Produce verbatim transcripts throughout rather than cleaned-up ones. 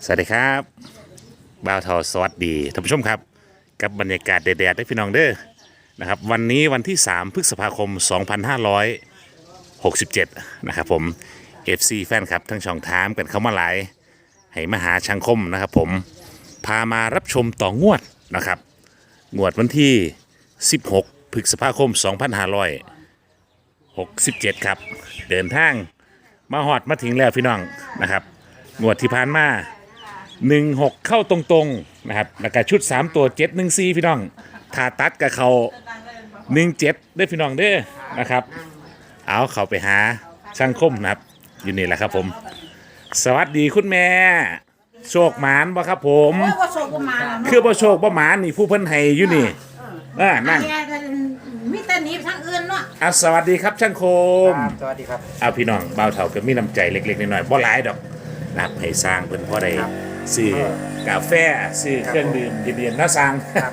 สวัสดีครับบ่าวทอสวัสดีท่านผู้ชมครับกับบรรยากาศแดดๆได้พี่น้องเด้อนะครับวันนี้วันที่สามพฤษภาคมสองพันห้าร้อยหกสิบเจ็ดนะครับผม เอฟ ซี แฟนครับทั้งช่องทามกันเข้ามาหลายให้มาหาช่างคมนะครับผมพามารับชมต่องวดนะครับงวดวันที่สิบหกพฤษภาคมสองพันห้าร้อยหกสิบเจ็ดครับเดินทางมาหอดมาถึงแล้วพี่น้องนะครับงวดที่ผ่านมาหนึ่งหกเข้าตรงๆนะครับแล้วก็ชุดสามตัวเจ็ดหนึ่งสี่พี่น้องถ้าตัดกับเขาหนึ่งเจ็ดได้พี่น้องเด้อนะครับเอาเขาไปหาช่างคมนะครับอยู่นี่แหละครับผมสวัสดีคุณแม่โชคหมานบ่ครับผมโอ้ยบ่โชคบ่มาแล้วคือบ่โชคบ่หมานนี่ผู้เพิ่นให้อยู่นี่เออนั่นมีแต่หนี้ทางอื่นเนาะอ่ะสวัสดีครับช่างคมครับสวัสดีครับเอาพี่น้องเบาเถาก็มีน้ำใจเล็กๆน้อยๆบ่หลายดอกนะครับให้สร้างเพิ่นพอได้ซื้อกาแฟซื้อเครื่องดื่มเย็นๆเนาะสร้าง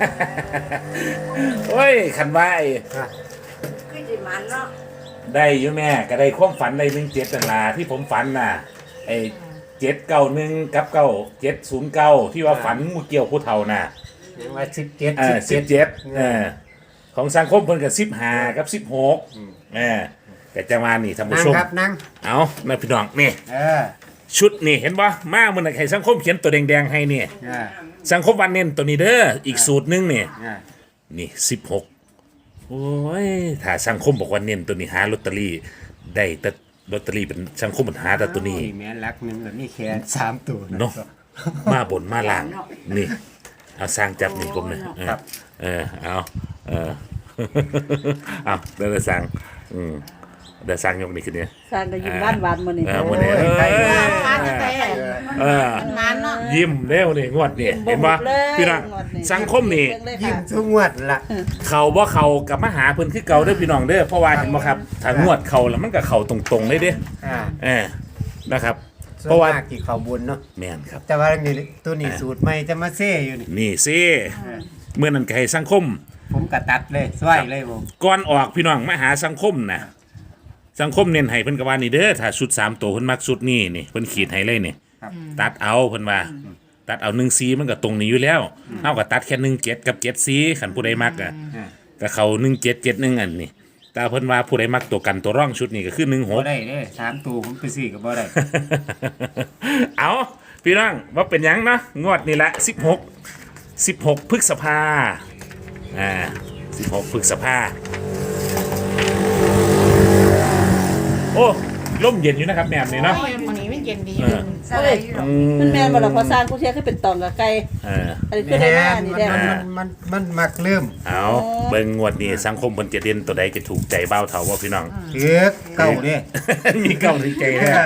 โอ้ยคันว่าไอ้คือสิมันเนาะได้อยู่แม่ก็ได้ความฝันได้หนึ่งเจ็ดนั่นล่ะที่ผมฝันน่ะไอ้เจ็ดเก้าหนึ่งกับเก้าเจ็ดศูนย์เก้าที่ว่าฝันงูเกี่ยวผู้เฒ่าน่ะยังว่าสิบเจ็ดเออสิบเจ็ดเออของสังคมเพิ่นกับสิบห้ากับสิบหกเออแต่จังหวะนี่ท่านผู้นั่งชมครับนั่งเอาแม่พี่น้องนี่เออชุดนี่เห็นปะมาเมื่อไหร่ใครสังคมเขียนตัวแดงๆให้เนี่ยเออสังคมวันเน้นตัวนี้เด้ออีกสูตรหนึงเนี่ยเออนี่สิบหกโอ้ยถ้าสังคมบอกว่าเน้นตัวนี้หาลอตเตอรี่ได้แต่ลอตเตอรี่เป็นสังคมมันหาแต่ตัวนี้โอ้ยแม่รักหนึ่งแบบนี้แขนสามตัวเนาะมาบนมาล่างนี่เอาสร้างจับนี่ผมเนี่ยเออครับเออเอาเออ เอาเดี๋ยวจะสั่งอืมเดี๋ยวสั่งยกนี่ขึ้นเนี่ยสร้างก็ยิ้มบ้านหวานมื้อนี้เออมื้อนี้โอ้ยใครเออมาแต่แต่เออมันเนาะยิ้มเร็วนี่งวดนี่เห็นปะพี่น้องสังคมนี่ยิ้มทุกงวดละเขาบ่เขากับมาหาเพิ่นคือเก่าเด้อพี่น้องเด้อเพราะว่าเห็นบ่ครับถ้างวดเขาแล้วมันก็เข้าตรงๆเลยเด้ออ่าเออนะครับส่เพราะวนว่ามากที่เขาบุญเนาะแม่นครับแต่ว่านี่ตัวนี้สูตรใหม่จะมาเซ่อยู่นี่นี่สิเมื่อนั้นก็ให้สังคมผมกระตัดเลยสวยเลยผมก่อนออกพี่น้องมาหาสังคมนะสังคมเน้นให้เพิ่นก็ว่านี่เด้อถ้าชุดสามตัวเพิ่นมักชุดนี้นี่เพิ่นขีดให้เลยนี่ครับตัดเอาเพิ่นว่า ตัดเอาหนึ่งซีมันก็ตรงนี้อยู่แล้วเฮาก็ตัดแค่หนึ่งเจ็ดกับเจ็ดซีคันผู้ใดมักอ่ะอ่าก็เขาหนึ่งเจ็ดเจ็ดหนึ่งอันนี่แต่เพิ่นว่าผู้ใดมักตัวกันตัวร่องชุดนี้ก็คือหนึ่งหบ่กได้เด้สามตัวผมไปสี่ก็บ่ได้เอาพี่น้องว่าเป็นหยังเนาะงวดนี่แหละสิบหกสิบหกพฤษภาอ่าสิบหกพฤษภาโอ้ร่มเย็นอยู่นะครับแม่นี่เนาะโอ้ยมื้อนี้มันเย็นดีเออสบายอยู่อืมมันแม่นบ่ล่ะพอสร้างกูเทียคือเป็นตองกับไก่เอออันนี้คือได้มานี่มันแด้มันมันมันมักเริ่มเอาเบิ่งงวดนี้สังคมเพิ่นจะเด่นตัวใดจะถูกใจเบ้าเฒ่าว่าพี่น้องเถือกเก่าเด้มีเก้าในใจเอแท้อ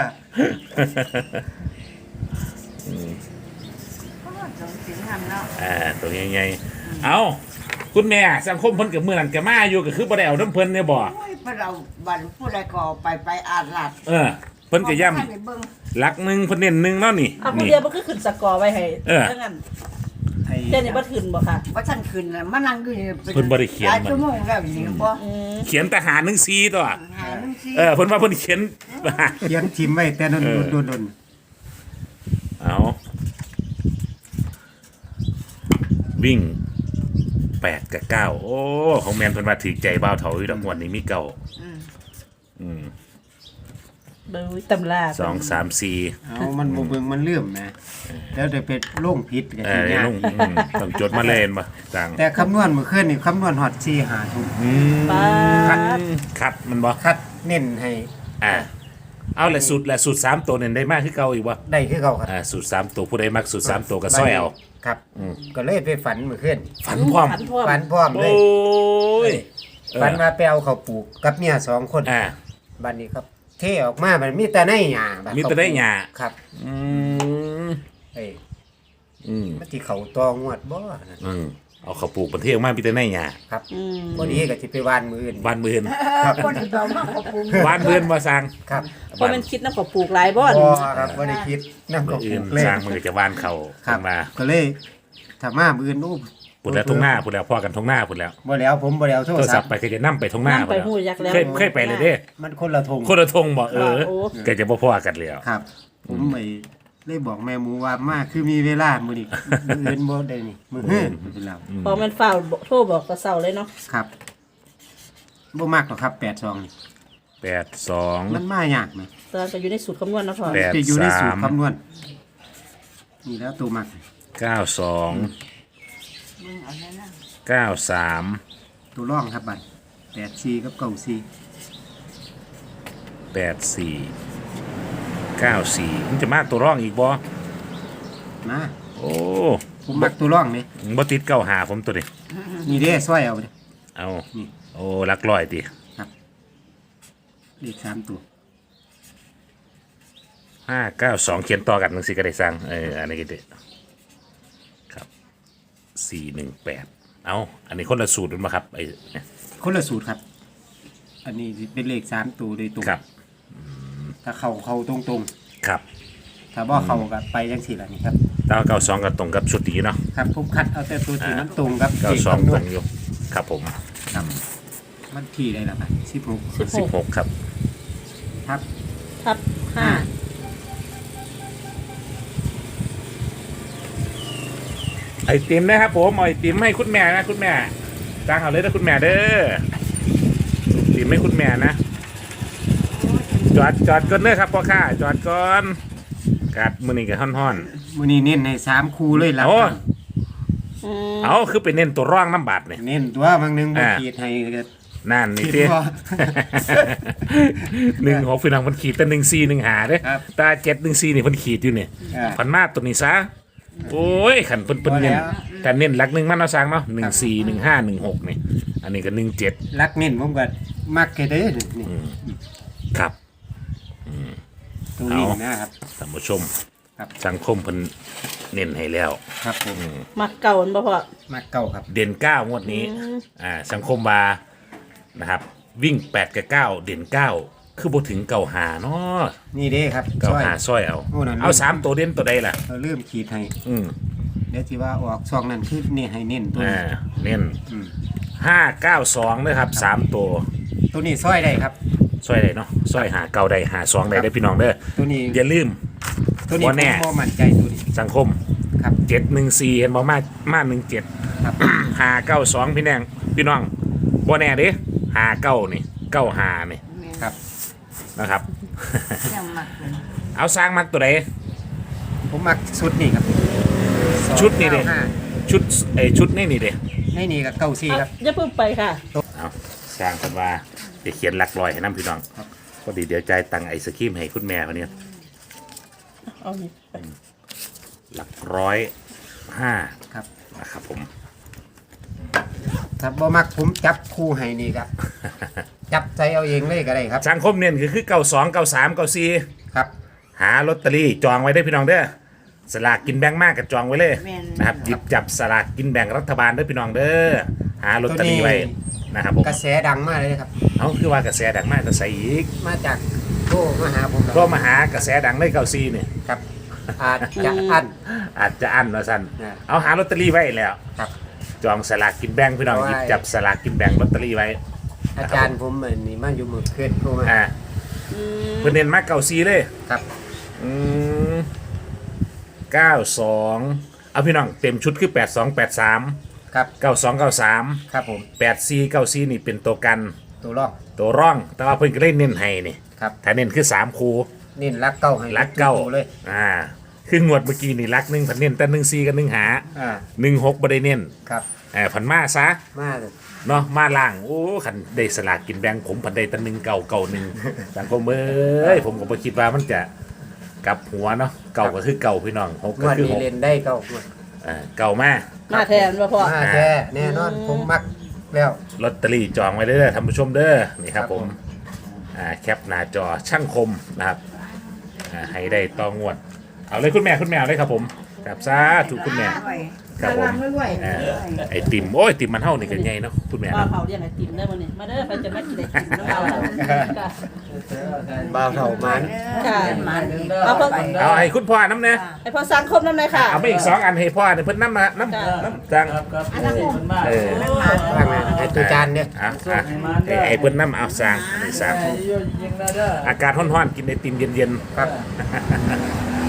สิงหำเนาะอ่าตัวใหญ่ๆเอาคุณแม่สังคมเพิ่นกับมื้อนั้นก็มาอยู่ก็คือบ่ได้เอาน้ำเพิ่นเนี่ยบ่โอ้ยเพิ่นเอาบัตรผู้ใดก็ไปไปอาดลาดเออเพิ่นก็ย้ำบ่ทันได้เบิ่งหลักหนึ่งเพิ่นเน้นหนึ่งเนาะนี่เอาผู้นี่เดียวมันคือขึ้นสกอร์ไว้ให้เออถ้างั้นไอ้เจ้านี่บ่ขึ้นบ่ค่ะว่าท่านขึ้นน่ะมานั่งอยู่นี่เพิ่นบ่ได้เขียนหลายมันชั่วโมงแล้วนี่บ่อืมเขียนทหารหนึ่งซีตัวหานึงสิเออเพิ่นว่าเพิ่นเขียนเขียนทิมไว้แต่นนเออโดนโดนเอาวิ่งแปดกับเก้าโอ้ของแมนเพิ่นว่าถือใจบ้าวเถาอยู่ดอกงวดนี้มีเก้าอืมอืมเบิ่งตำราสองสามสี่เอามันบ่เบิ่งมันเลื่อมนะแล้วได้ไปโล่งผิดกันเอทีอเนี้ยลงอืมต้องจดมาเล่นบ่จังแต่คำนวณเมื่อคืนนี่คำนวณฮอดสี่หาทุกอืมปาคัดดคัดมันบ่คัดเน้นให้อ่าเอาแหละสูตรแหละสูตรสามตัวเนี่ยได้มากคือเก่าอีกบ่ได้คือเขาครับอ่าสูตรสามตัวผู้ใดมักสูตรสามตัวก็ซ้อยเอาครับ ก็เลยไปฝันเมื่อคืนฝันพร้อมฝันพร้อมฝันพร้อมเลโอ้ยยฝันว่าไปเอาเขาวปลูกกับเมียสองคนอ่าบัดนี้ครับ เทออกมามันมีแต่ในหญ้าบัดมีแต่ในหญ้าครับอืมเอ้ยอืมมันสิเขาตองวดบ่นั่นอืมเอาข้าวปลูกประเทศออกมาพี่แต่ในหญ้าครับอืมพอดีก็สิไปวานมืออื่นบ้านเมือนครับคนที่เอามาขอบคุณบ้านเมือนมาสร้างครับเพราะมันคิดนำกับปลูกหลายบ่บ่นี่ครับบ่ได้คิดนำบ้าเขานปอื่ลูนกเลยสร้างมันก็จะบ้านเขาครับมาก็เลยถ้ามามืออื่นโอ้พุ่นแล้วทงหน้าพุ่นแล้วพ่อกันทงหน้าพุ่นแล้วบ่แล้วผมบ่แล้วโทโทรรศัศัพพท์ท์ไปก็จะนั่ไปทงหน้านำไปพุ่นฮู้แล้วจักแล้วเคยเคยไปเลยเด้มันคนละทงคนละทงบอกเออโอ้ก็จะบ่พ่อกันแล้วครับ ผมไปเลยบอกแม่หมูว่ามาคือมีเวลามื้อนี้ มื้ออื่นบ่ได้นี่มื้อเฮือนเป็นเราพอมันฝ้าวโทรบอกแตะเช้าเลยเนาะครับบ่มากหรอกครับแปดสองนี่แปดสองมันมายากไหมตอนก็อยู่ในสูตรคำนวณเนาะพ่อแปดจะอยู่ในสูตสาร มคำนวณนี่แล้วตัวมักเก้าสองมึงเอาแน่นะเก้าสามตัวร่องครับบัดแปดสี่กับเก้าสี่แปดสี่เก้าสี่มันจะมาตัวร่องอีกบ่มาโอ้ผมมักตัวร่องนี่บ่ติดเก้าหาผมตัวนี้นี่เด้ซอยเอาเด้เอานี่โอ้หลักร้อยติเลขสามตัวห้าเก้าสองเขียนต่อกันหนังสือก็ได้สร้างเอออันนี้ก็ได้ครับสี่หนึ่งแปดเอาอันนี้คนละสูตรมั้ยครับไอ้คนละสูตรครับ อันนี้สิเป็นเลขสามตัวโดยตรงครับถ้าเข้าเข้าตรงตรงครับๆถ้าบ่เข้าก็ไปจังสี่ล่ะนี่ครับเก้าเก้าสองก็ตรงกับชุดนี้เนาะครับผมคัดเอาแต่ตัวที่มันตรงกับเก้าเลขสองคำนตวรณงอยู่ครับผมครับมันที่ได้ละครับสิบหกสิบหกครับครับทับห้าไอติมนะครับผมเอาไอติมให้คุณแม่นะคุณแม่จ้างเอาเลยนะคุณแม่เด้อไอติมให้คุณแม่นะจอดจอดก่อนเด้อครับพ่อข้าจอดก่อนกัดมือนี่กับห่อนมื้อนี้เน้นให้สามคู่เลยๆล่ะโอ้อืมเอาคือไปเน้นตัวร่องน้ำบาดเนี่ยเน้นตัวบางหนึงบ่อ่าขีดให้ก็นั่นนี่คิดเต้ว่าหนึ่งหกพี่น้องมันขีดแต่หนึ่งสี่หนึ่งหาเด้อครับตาเจ็ดหนึ่งสี่นี่มันขีดอยู่เนี่ยอ่าพันมาตัวนี้ซะโอ้ยขันเพิ่นเพิ่นเน้นพอแล้วการเน้นหลักหนึ่งมันเอาสร้างเนาะหนึ่งสี่หนึ่งห้าหนึ่งหกนี่อันนี้ก็หนึ่งเจ็ดรักเน้นผมก็มักแค่เด้อนี่ครับตรงนี้เอานะครับท่านผู้ชมครับสังคมเพิ่นเน้นให้แล้วครับผมมักเก่ามันบ่พ่อมักเก่าครับเด่นเก้างวดนี้อืมอ่าสังคมบานะครับ วิ่งแปดกับเก้าเด่นเก้าคือบ่ถึงเก่าหาเนาะนี่เด้ครับเก่าซอยหาซอยเอาโอ้นั่นเอาสามตัวเด่นตัวใดล่ะเราเริ่มขีดให้อืมเดี๋ยวที่ว่าออกซองนั้นคือนี่ให้เน้นตัวอ่านี้เน้นอืมห้าเก้าสองนะครับสามตัวตัวนี้ซอยได้ครับซอยได้เนาะซอยหาเก้าได้หาสองได้ได้อพี่น้องเด้อตัวนี้อย่าลืมตัวนี้บ่แน่ผมบ่มั่นใจตัวนี้สังคมครับเจ็ดหนึ่งสี่เห็นบอกมามาหนึ่งเจ็ดครับหาเก้าสองพี่แนงพี่น้องบ่แน่เด้หาเก้านี่เก้าหานี่แม่นครับนะครับยังมักเลยเอาสร้างมักตัวใดผมมักชุดนี่ครับชุดนี่เด้สองก้าห้าชุดไอยชุดนี่นี่เด้ในนี่กับเก้าสี่เอาครับอย่าเพิ่งไปค่ะเอาสร้างกันว่าจะเขียนหลักลอยให้น้ำพี่น้องครับพอดีเดี๋ยวจ่ายตังค์ไอศครีมให้คุณแม่คนนี้เอานี่ไปหลักร้อยห้าครับนะครับผมถ้าบ่มักผมจับคู่ให้นี่ครับ จับใจเอาเองเลยก็ได้ครับสังคมเนี่ยคือคือเก้าสองเก้าสามเก้าสี่ครับหาลอตเตอรี่จองไว้ได้อพี่น้องเด้อสลากกินแบ่งมากกับจองไว้เลยแม่นนะครับหยิบจับสลากกินแบ่งรัฐบาลเด้อพี่น้องเด้อหาลอตเตอรี่ไว้นะครับผมกระแสดังมากเลยครับเอาคือว่ากระแสดังมากกระแสอีกมาจากโทรมาหาผมครับก็มาหากระแสดังเลยเก้าสี่เนี่ยครับ อาจจะอันอาจจะอั้นว่าสั้นอ่าเอาหาลอตเตอรี่ไว้แล้วครับจองสลากกินแบ่งพี่น้องเอาไว้หยิบจับสลากกินแบ่งลอตเตอรี่ไว้อาจารย์ผมเหมือนนี่มาอยู่มือเคลื่อนโทรมาอ่าอืมเพื่อนเน้นมากเก้าสี่เลยครับอืมเก้าสองเอาพี่น้องเต็มชุดคือแปดสองแปดสามครับเก้าสองเก้าสามครับผมแปดสี่เก้าสี่นี่เป็นตัวกันตัวร่องตัวร่อง แต่ว่าเพิ่นก็เล่นเน้นให้นี่ครับถ้าเน้นคือสามคูนี่รักเก้าให้ลักเก้าตัวเลยอ่าคืองวดเมื่อกี้นี่ลักหนึ่งผันเน้นแต่หนึ่งสี่กับหนึ่งหาอ่าหนึ่งหกบ่ได้เน้นครับอ่าผันมาซะมาเลยเนาะมาล่างโอ้ขันได้สลากกินแบ่งผมผันได้แตัหนึ่งเก่าเก่าหนึ่งสังคมเอ้ยผมก็บ่คิดว่ามันจะกลับหัวเนาะเก่าก็คือเก่าพี่น้องหกงก็วดคือนี้หกเล่นได้เก้างวดอ่าเก่ามากมาแทนว่าพ่อมาแท้แน่นอนผมมักแล้วลอตเตอรี่จองไว้เด้อท่านผู้ชมเด้อนี่ครับครับผผม มอ่าแคปหน้าจอช่างคมนะครับอ่าให้ได้ต่องวด เอาเลยคุณแม่คุณแม่เอาเลยครับผมครับซาถูกคุณแม่ไว้ครับผมไว้ไว้อ่าไอติมโอ้ยไอติมมันเท่านี่กันใหญ่เนาะคุณแม่ป้าเนาะเผาเรียกไอติมได้บ่นี่มาเด้อไปจะมากินไอติมน้ำเผาค่ะบ่าวเท่ามันค่ะมันอีกเอาเพิ่มเอาไอ้คุณพ่อน้ำเนี่ยให้พ่อสังคมน้ำหน่อยค่ะเอาไปอีกสองอันให้พ่อเนี่ยเพิ่นน้ำมาน้ำน้ำจังเออว่างไงไอ้ตัวจานเนี่ยอ่ะอ่ะไอ้ไอ้เพิ่นน้ำเอาสร้างอันนี้สร้างอากาศร้อนๆกินไอติมเย็นครับๆ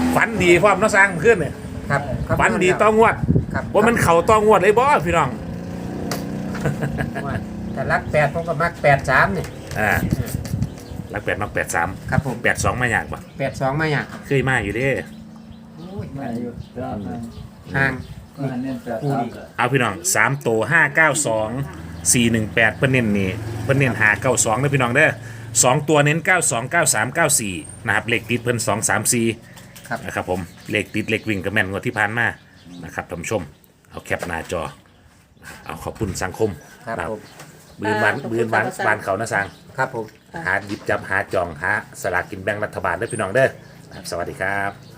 ฝันดีพร้อมเนาะสร้างขึ้นเนี่ยครับครับฝันดีต้องงวดครับว่ามันเข่าต้องงวดเลยบ่พี่น้องว่าแต่รักแปดผมก็มักแปดสามนี่อ่ารักแปดมักแปดสามครับผมแปดสองมาอยากบ่แปดสองมาอย่างเคยมาอยู่เด้มาอยู่ตามนั้นห่างก็หันเน้นแปดสามก็เอาพี่น้องสามตัวห้าเก้าสองสี่หนึ่งแปดเพิ่นเน้นนี่เพิ่นเน้นหาเก้าสองนะพี่น้องเด้อสองตัวเน้นเก้าสองเก้าสามเก้าสี่นะครับเลขติดเพิ่นสองสามสี่ครับนะครับผมเลขติดเลขวิ่งกับแม่นกว่าที่ผ่านมานะครับท่านผู้ชมเอาแคปหน้าจอเอาขอบคุณสังคมครับนะผมบืนบานบืนบานบานเขานะสังครับผมหาหยิบจับหาจองหาสลากกินแบ่งรัฐบาลเด้อพี่น้องเด้อนะครับสวัสดีครับ